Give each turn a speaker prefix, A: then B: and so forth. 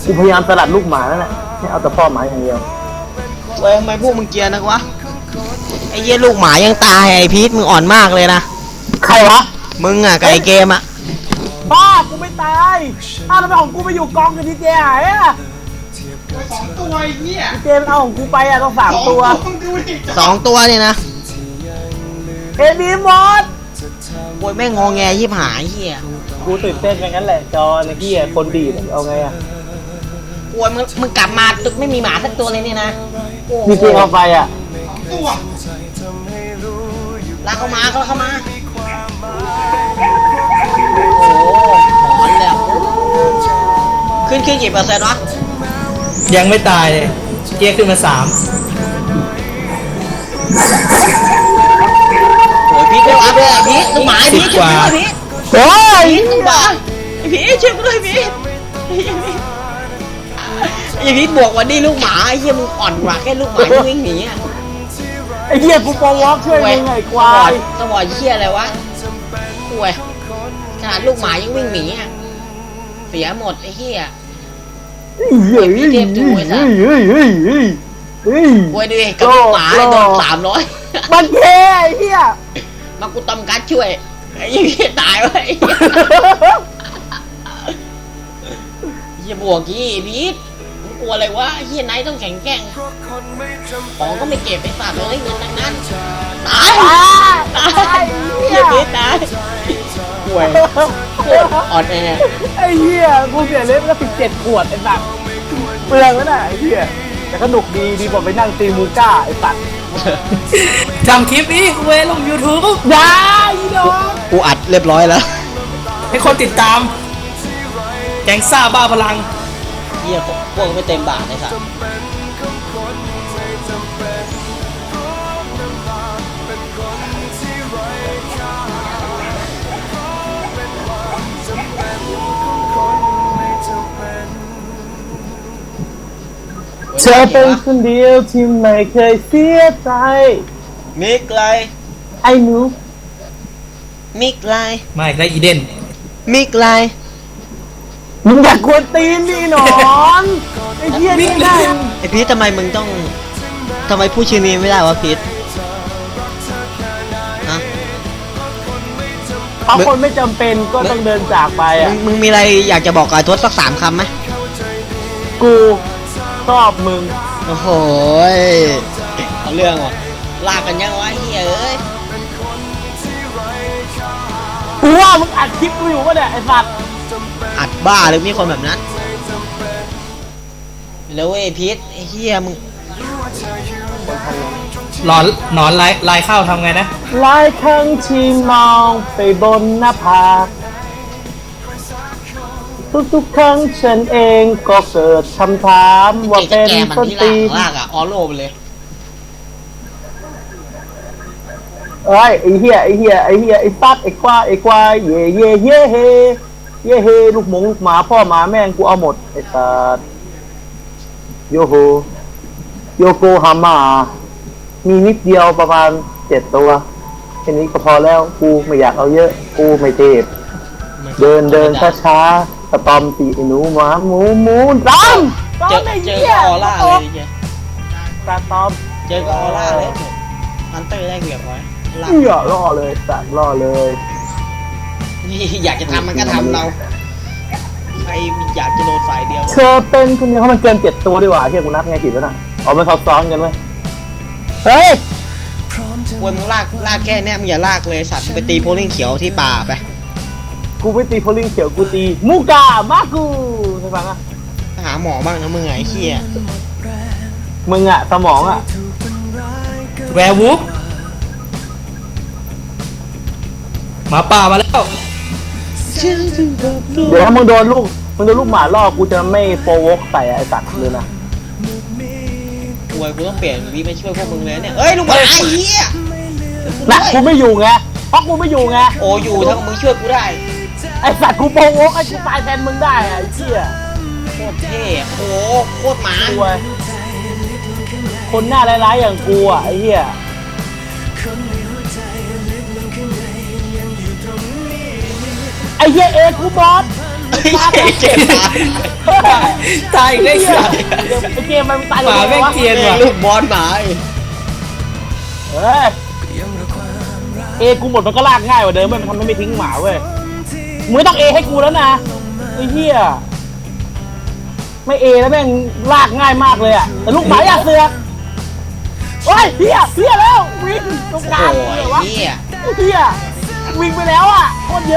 A: กูพยายามสลัดลูกหมาแล้วแหละไม่เอาแต่พ่อหมาอย่างเดียว
B: เว้ยทำไมพวกมึงเกลียร์นักวะไอ้เหี้ยลูกหมายังตายไอ้พีทมึงอ่อนมากเลยนะ
A: ใครวะ
B: มึงอ่ะกับไอ้เกมอ่ะ
A: บ้ากูไม่ตายแล้วของกูไปอยู่กองกับดีเจหายอ่ะ
C: 2 ตัวไอ้เหี้ย
A: ดีเจมันเอาของกูไปอ่ะต้อง3 ตัว
B: 2 ตัวเนี่ยนะ
A: เอดีหมด
B: โวยแม่งงอแงยิบหายเหี้ย
A: กูตื่นเต้นอย่างนั้นแหละจอในที่คนดีเอาไงอ่ะ
B: โวยมึงกลับมาตึกไม่มีหมาสักตัวเลยเนี่ยนะ
A: ดีเจเอาไปอ่ะ
C: ตัว
B: ลากเข้ามาโอ้หอนแล้วขึ้นกี่เปอร์เซ็นต์วะ
D: ยังไม่ตายเลยเจ๊ขึ้นมา3
B: โอ้ยพีทเร็วอัพเลยพีทลูกหมาพีทช่วยพีท
A: โอ้ย
B: ลูกหมาพีทช่วยกูด้วยพีทไอ้พีทบวกวันนี้ลูกหมาไอ้เหี้ยมึงอ่อนกว่าแค่ลูกหมาที่วิ่งหนีอ่ะ
A: ไอ้เหี้ยกูปองวอล์กช่วยมึงไงควาย
B: สวอเหี้ยอะไรวะป่วยขนาดลูกหมายังวิ่งหนีอ่ะเสียหมดไอ้เหี้ยพี่เทพดูไอ้สัสป่วยดูดิกับลูกหมาโดน300
A: มันแค่ไอ้เหี้ย
B: มากูตำกัดช่วยไอ้เหี้ยตายไว้เหี้ยบวกกี้พีทมึงกลัวอะไรวะเหี้ยไนท์ต้องแข็งแกร่งของก็ไม่เก็บไปฝากเลยเงินทั้งนั้นตายเหี้ยพีทตายป่วยอ่อนแอ
A: ไอ้เหี้ยกูเสียเล็บแล้ว17 ขวดไอ้สัตว์เปลืองแล้วน่ะไอ้เหี้ยแต่สนุกดีกว่าไปนั่งตีมูก้าไอ้สัตว์
D: จำคลิปนี้กูลง YouTube
A: ได้อีดอก
B: กูอัดเรียบร้อยแล้ว
D: ให้คนติดตามแก๊งซ่าบ้าพลัง
B: เหี้ยพวกไม่เต็มบาทเลยสัส
A: เธอเป็นคนเดียวที่ไม่เคยเสียใจ
B: มิกไล
A: ไอ้หนู
B: มิกไล
D: ไม่ได้อีเดน
B: มิกไล
A: มึงอยากกวนตีนนี่หนอนไอ้เหี้ยนี่ได้
B: ไอ้พีททำไมพูดชื่อนี้ไม่ได้วะพีทฮะ
A: เพราะคนไม่จำเป็นก็ต้องเดินจากไปอ่ะ
B: มึงมีอะไรอยากจะบอกกับทศสัก3 คำไหม
A: กูชอบมึง
B: โอ้โหเอาเรื่องว่ะลากกันยังวะเฮ้ยเอ้ย
A: กูว่ามึงอัดคลิปกูอยู่ปะเนี่ยไอ้สัตว์
B: อัดบ้าหรือมีคนแบบนั้นแล้วเว้ยพีทไอ้เหี้ยมึง
D: หนอนลายเข้าทำไงนะ
A: หลายครั้งที่มองไปบนหน้าผากทุกครั้งฉันเองก็เกิดคำถามว่าเป็นต้นตีน
B: ลากอะออโลไปเลย
A: ไอ้เหี้ยไอ้ตัดไอ้ควายเย่เฮลูกหมูลูกหมาพ่อหมาแม่งกูเอาหมดไอ้สัตว์โยโกฮาม่ามีนิดเดียวประมาณ7 ตัวแค่นี้ก็พอแล้วกูไม่อยากเอาเยอะกูไม่เทพเดินช้าสตอมตีหนูหมาหมูตาม
B: เจอออร่าเลยดิ
A: สตอม
B: เจอออร่าเลยฮันเตอร์ได้เกือบไว้
A: ล่อเลยสั่งล่อเลย
B: นี่อยากจะทำมันก็ทำเราใครอยากจะโดนฝ่ายเดียว
A: เธอเป็นคนเดียวเขามันเกิน7 ตัวดีกว่าที่กูนับไงผิดแล้วนะเอามาซ้อนกันไหมเฮ้ย
B: ควรมึงลากแค่เนี้ยมึงอย่าลากเลยสัตว์ไปตีโพลิงเขียวที่ป่าไป
A: กูไม่ตีโพลิงเขียวกูตีมูกามากูใช่ปะนะ
B: หาหมอบ้างนะมึงไอ้เหี้ย
A: มึงอะสมองอะ
D: แวร์วูฟหมาป่ามาแล้ว
A: เดี๋ยวถ้ามึงโดนลูกหมาล่อกูจะไม่โปรวกใส่ไอ้สัตว์เลยนะ
B: กูต้องเปลี่ยนวีไปช่วยพวกมึงเลยเนี่ยเอ้ยลูกหมาไอ้เหี้ย
A: น่ะกูไม่อยู่ไงเพราะกูไม่อยู่ไง
B: โอ้อยู่ถ้ามึงช่วยกูได้
A: ไอ้สัตว์กูโปรวกไอ้กูตายแทนมึงได้ไอ้เหี้ย
B: โคตรเท่โอ้โคตรหมา
A: คนหน้าร้ายๆอย่างกูอ่ะไอ้เหี้ยไอ้เหี้ยกูบอส
B: ไอ้เจ๊ตาย
D: ตายอีกได้
A: ไอ้
D: เหี้ย
A: เกมมันตาย
D: หมาแม่งเกรียนว่ะ
B: ลูกบอลหมา
A: เอกูหมดมันก็ลากง่ายกว่าเดิมมันทำให้ไม่ทิ้งหมาเว้ยมึงไม่ต้องให้กูแล้วนะไอ้เหี้ยไม่แล้วแม่งลากง่ายมากเลยอ่ะแต่ลูกหมาอยากเสือกโอ้ยเหี้ยแล้ววิ่งตรงกลาง
B: โอ้
A: เลย ยวะ
B: เหี้ย
A: เหี้ยวิ่งไปแล้วอ่ะโคตรเยอะ